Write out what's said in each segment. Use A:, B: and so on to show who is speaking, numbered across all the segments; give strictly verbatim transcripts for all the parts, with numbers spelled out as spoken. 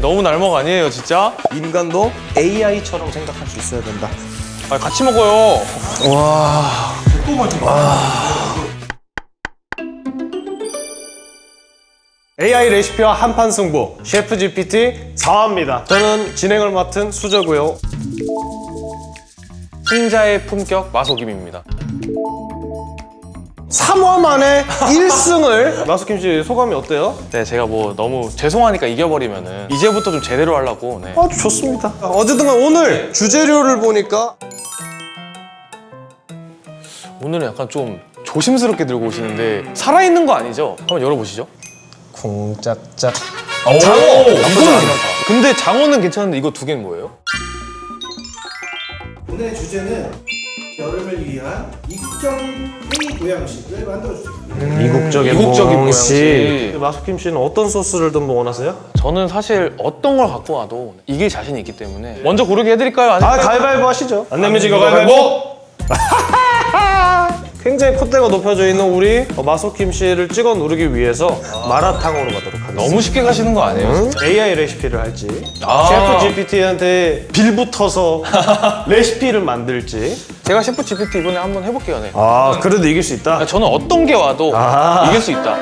A: 너무 날먹 아니에요 진짜?
B: 인간도 에이아이처럼 생각할 수 있어야 된다.
A: 아 같이 먹어요.
B: 와. 에이아이 레시피와 한판 승부 셰프 지피티 사 화입니다. 저는 진행을 맡은 수저고요.
A: 승자의 품격 마소김입니다.
B: 삼 화 만에 일 승을 마수킴 씨 소감이 어때요?
A: 네 제가 뭐 너무 죄송하니까 이겨버리면은 이제부터 좀 제대로 하려고. 네.
B: 아주 좋습니다. 어쨌든 간 오늘 주재료를 보니까
A: 오늘은 약간 좀 조심스럽게 들고 오시는데 살아있는 거 아니죠? 한번 열어보시죠.
B: 쿵짝짝
A: 장어!
B: 나쁘지 않다.
A: 근데 장어는 괜찮은데 이거 두 개는 뭐예요?
C: 오늘의 주제는 여름을 위한 이국적 회의 보양식을 만들어주세요.
B: 이국적인
A: 이국적인
B: 모양식.
A: 모양식.
B: 마수킴 씨는 어떤 소스를 좀 원하세요?
A: 저는 사실 어떤 걸 갖고 와도 이길 자신이 있기 때문에 먼저 고르게 해드릴까요? 아니면
B: 아 가위바위보 하시죠. 안 내면 지고 가위바위보. 굉장히 콧대가 높여져 있는 우리 마소킴 씨를 찍어 누르기 위해서 마라탕으로 가도록 하겠습니다.
A: 너무 쉽게 가시는 거 아니에요?
B: 응? 에이아이 레시피를 할지
A: 아.
B: 셰프 지피티한테 빌붙어서 레시피를 만들지.
A: 제가 셰프 지피티 이번에 한번 해볼게요. 네.
B: 아 그래도 이길 수 있다.
A: 저는 어떤 게 와도
B: 아.
A: 이길 수 있다.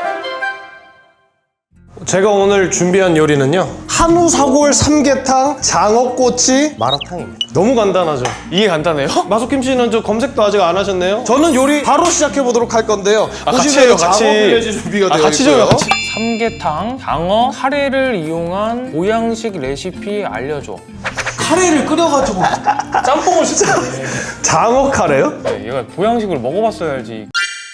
B: 제가 오늘 준비한 요리는요 한우 사골 삼계탕 장어꼬치 마라탕입니다. 너무 간단하죠.
A: 이게 간단해요?
B: 마소킴 씨는 저 검색도 아직 안 하셨네요. 저는 요리 바로 시작해 보도록 할 건데요.
A: 아, 같이
B: 보시면
A: 해요, 같이.
B: 장어 빌레지 준비가
A: 아,
B: 되어
A: 같이
B: 있고요.
A: 줘요, 같이. 삼계탕, 장어, 카레를 이용한 보양식 레시피 알려줘.
C: 카레를 끓여가지고
A: 짬뽕을 시켰네.
B: 장어 카레요?
A: 네, 얘가 보양식을 먹어봤어야 알지.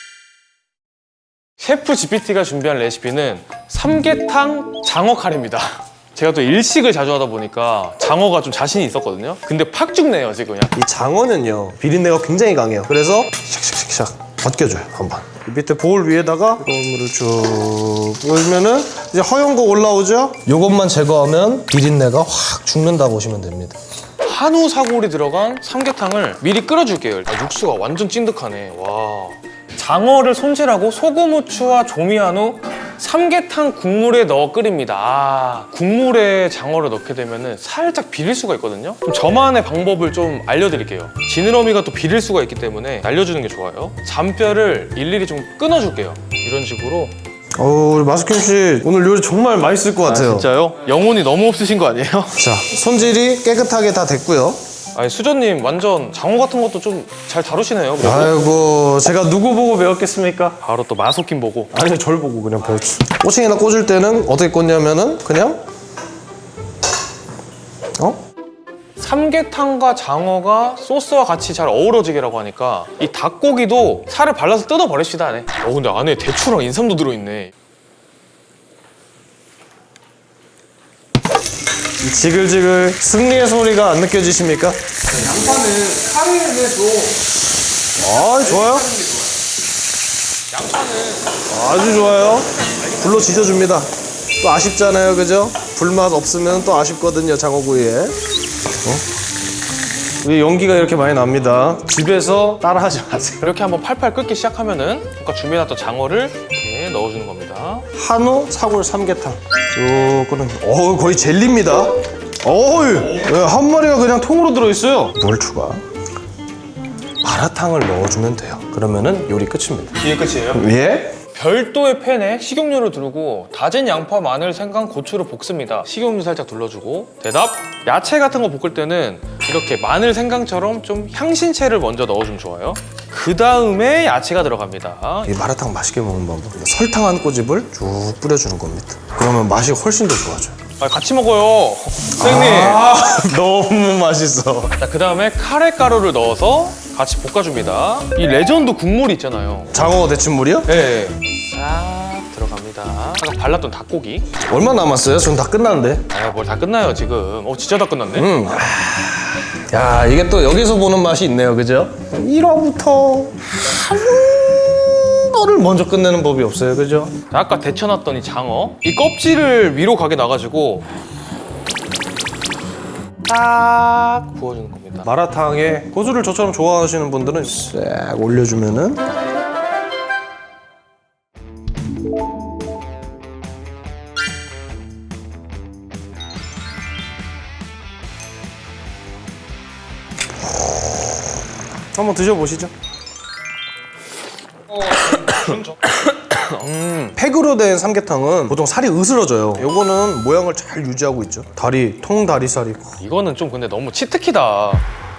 A: 셰프 지피티가 준비한 레시피는 삼계탕 장어 카레입니다. 제가 또 일식을 자주 하다 보니까 장어가 좀 자신이 있었거든요. 근데 팍 죽네요 지금 그냥.
B: 이 장어는요 비린내가 굉장히 강해요. 그래서 샥샥샥샥 벗겨줘요 한번. 이 밑에 보울 위에다가 뜨거운 물을 쭉 부으면은 이제 허연 거 올라오죠? 요것만 제거하면 비린내가 확 죽는다 보시면 됩니다.
A: 한우 사골이 들어간 삼계탕을 미리 끓여줄게요. 아, 육수가 완전 찐득하네. 와. 장어를 손질하고 소금, 후추와 조미한 후 삼계탕 국물에 넣어 끓입니다. 아, 국물에 장어를 넣게 되면 살짝 비릴 수가 있거든요. 그럼 저만의 방법을 좀 알려드릴게요. 지느러미가 또 비릴 수가 있기 때문에 날려주는 게 좋아요. 잔뼈를 일일이 좀 끊어줄게요. 이런 식으로.
B: 어우 우리 마스킴 씨 오늘 요리 정말 맛있을 것 같아요.
A: 진짜요? 영혼이 너무 없으신 거 아니에요?
B: 자 손질이 깨끗하게 다 됐고요.
A: 아니 수저님 완전 장어 같은 것도 좀 잘 다루시네요. 그래도.
B: 아이고 제가 누구 보고 배웠겠습니까?
A: 바로 또 마소킴 보고.
B: 아니 절 보고 그냥 배웠지. 꼬챙이나 꽂을 때는 어떻게 꽂냐면은 그냥 어?
A: 삼계탕과 장어가 소스와 같이 잘 어우러지게라고 하니까 이 닭고기도 살을 발라서 뜯어버립시다 안에. 어 근데 안에 대추랑 인삼도 들어있네.
B: 이 지글지글 승리의 소리가 안 느껴지십니까?
C: 양파는 카레에 좀
B: 아 좋아요.
A: 양파는
B: 아주 좋아요. 불로 지져줍니다. 또 아쉽잖아요, 그죠? 불맛 없으면 또 아쉽거든요, 장어구이에. 어? 우리 연기가 이렇게 많이 납니다. 집에서 따라하지 마세요.
A: 이렇게 한번 팔팔 끓기 시작하면은 아까 준비해놨던 장어를 이렇게 넣어주는 겁니다.
B: 한우 사골 삼계탕. 쭉 끓는. 어우 거의 젤리입니다. 어우 한 마리가 그냥 통으로 들어있어요. 물 추가. 마라탕을 넣어주면 돼요. 그러면은 요리 끝입니다.
A: 이게 끝이에요?
B: 예?
A: 별도의 팬에 식용유를 두르고 다진 양파, 마늘, 생강, 고추를 볶습니다. 식용유 살짝 둘러주고. 대답! 야채 같은 거 볶을 때는 이렇게 마늘, 생강처럼 좀 향신채를 먼저 넣어주면 좋아요. 그 다음에 야채가 들어갑니다.
B: 이 마라탕 맛있게 먹는 방법. 설탕 한 꼬집을 쭉 뿌려주는 겁니다. 그러면 맛이 훨씬 더 좋아져요.
A: 아, 같이 먹어요. 선생님.
B: 아, 너무 맛있어.
A: 자, 그 다음에 카레 가루를 넣어서 같이 볶아줍니다. 이 레전드 국물이 있잖아요.
B: 장어 데친물이요?
A: 네. 싹 들어갑니다. 아까 발랐던 닭고기.
B: 얼마 남았어요? 전 다 끝났는데.
A: 아, 뭘 다 끝나요, 지금. 어, 진짜 다 끝났네.
B: 음. 야, 이게 또 여기서 보는 맛이 있네요, 그죠? 일 화부터 한 거를 먼저 끝내는 법이 없어요, 그죠?
A: 자, 아까 데쳐놨던 이 장어. 이 껍질을 위로 가게 놔가지고 딱 부어주는 겁니다.
B: 마라탕에 고수를 저처럼 좋아하시는 분들은 싹 올려주면은 한번 드셔보시죠.
A: 음.
B: 팩으로 된 삼계탕은 보통 살이 으스러져요. 요거는 모양을 잘 유지하고 있죠. 다리, 통다리살이.
A: 이거는 좀 근데 너무 치트키다.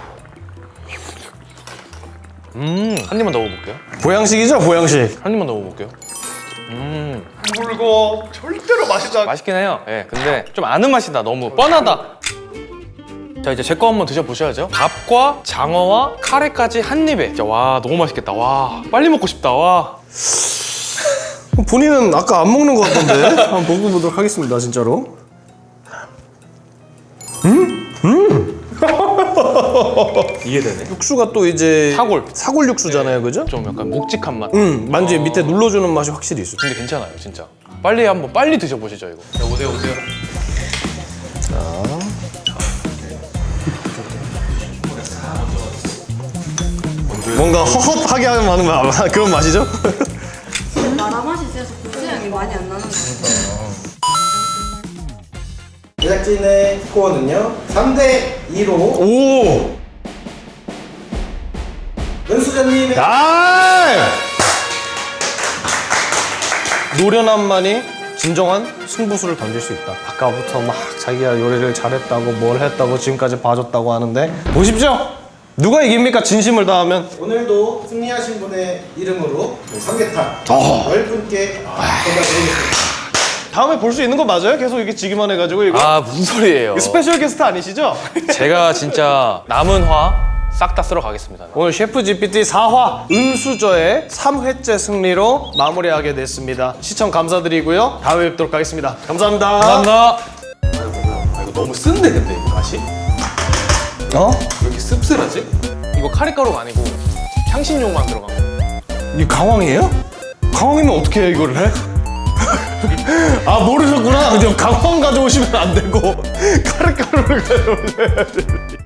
A: 음, 한 입만 더 먹어볼게요.
B: 보양식이죠, 보양식.
A: 한 입만 더 먹어볼게요. 음,
B: 물고 절대로 맛있지 않아.
A: 맛있긴 해요. 예, 근데 좀 아는 맛이다. 너무 뻔하다. 자, 이제 제 거 한번 드셔보셔야죠. 밥과 장어와 카레까지 한 입에. 진짜 와, 너무 맛있겠다. 와, 빨리 먹고 싶다. 와.
B: 본인은 아까 안 먹는 것 같던데. 한번 먹어보도록 하겠습니다, 진짜로.
A: 이해되네.
B: 육수가 또 이제
A: 사골.
B: 사골 육수잖아요, 그죠?
A: 좀 약간 묵직한 맛.
B: 음, 만지 밑에 눌러주는 맛이 확실히 있어요.
A: 근데 괜찮아요, 진짜. 빨리 한번 빨리 드셔보시죠, 이거. 자, 오세요, 오세요.
B: 뭔가 허헛하게 하는 맛, 그런 맛이죠?
D: 마라 맛이 세서 고추향이 많이 안 나는 것 같아요.
C: 제작진의 스코어는요 삼 대 이로
B: 오!
C: 은수전님의
B: 아! 노련함만이 진정한 승부수를 던질 수 있다. 아까부터 막 자기가 요리를 잘했다고 뭘 했다고 지금까지 봐줬다고 하는데 보십시오! 누가 이깁니까? 진심을 다하면.
C: 오늘도 승리하신 분의 이름으로 삼계탕
B: 어.
C: 열 분께 전달드리겠습니다.
B: 다음에 볼 수 있는 거 맞아요? 계속 이렇게 지기만 해가지고 이거?
A: 아, 무슨 소리예요?
B: 스페셜 게스트 아니시죠?
A: 제가 진짜 남은 화 싹 다 쓸어 가겠습니다.
B: 오늘 셰프 지피티 사 화 은수저의 삼 회째 승리로 마무리하게 됐습니다. 시청 감사드리고요. 다음에 뵙도록 하겠습니다. 감사합니다.
A: 감사합니다. 아, 이거 너무 쓴데 근데 이거 맛이?
B: 어?
A: 왜 이렇게 씁쓸하지? 이거 카레가루가 아니고 향신료만 들어간 거.
B: 이 강황이에요? 강황이면 어떻게 해 이거를 해? 아 모르셨구나. 근데 강황 가져오시면 안 되고 카레가루를 가져오셔야지.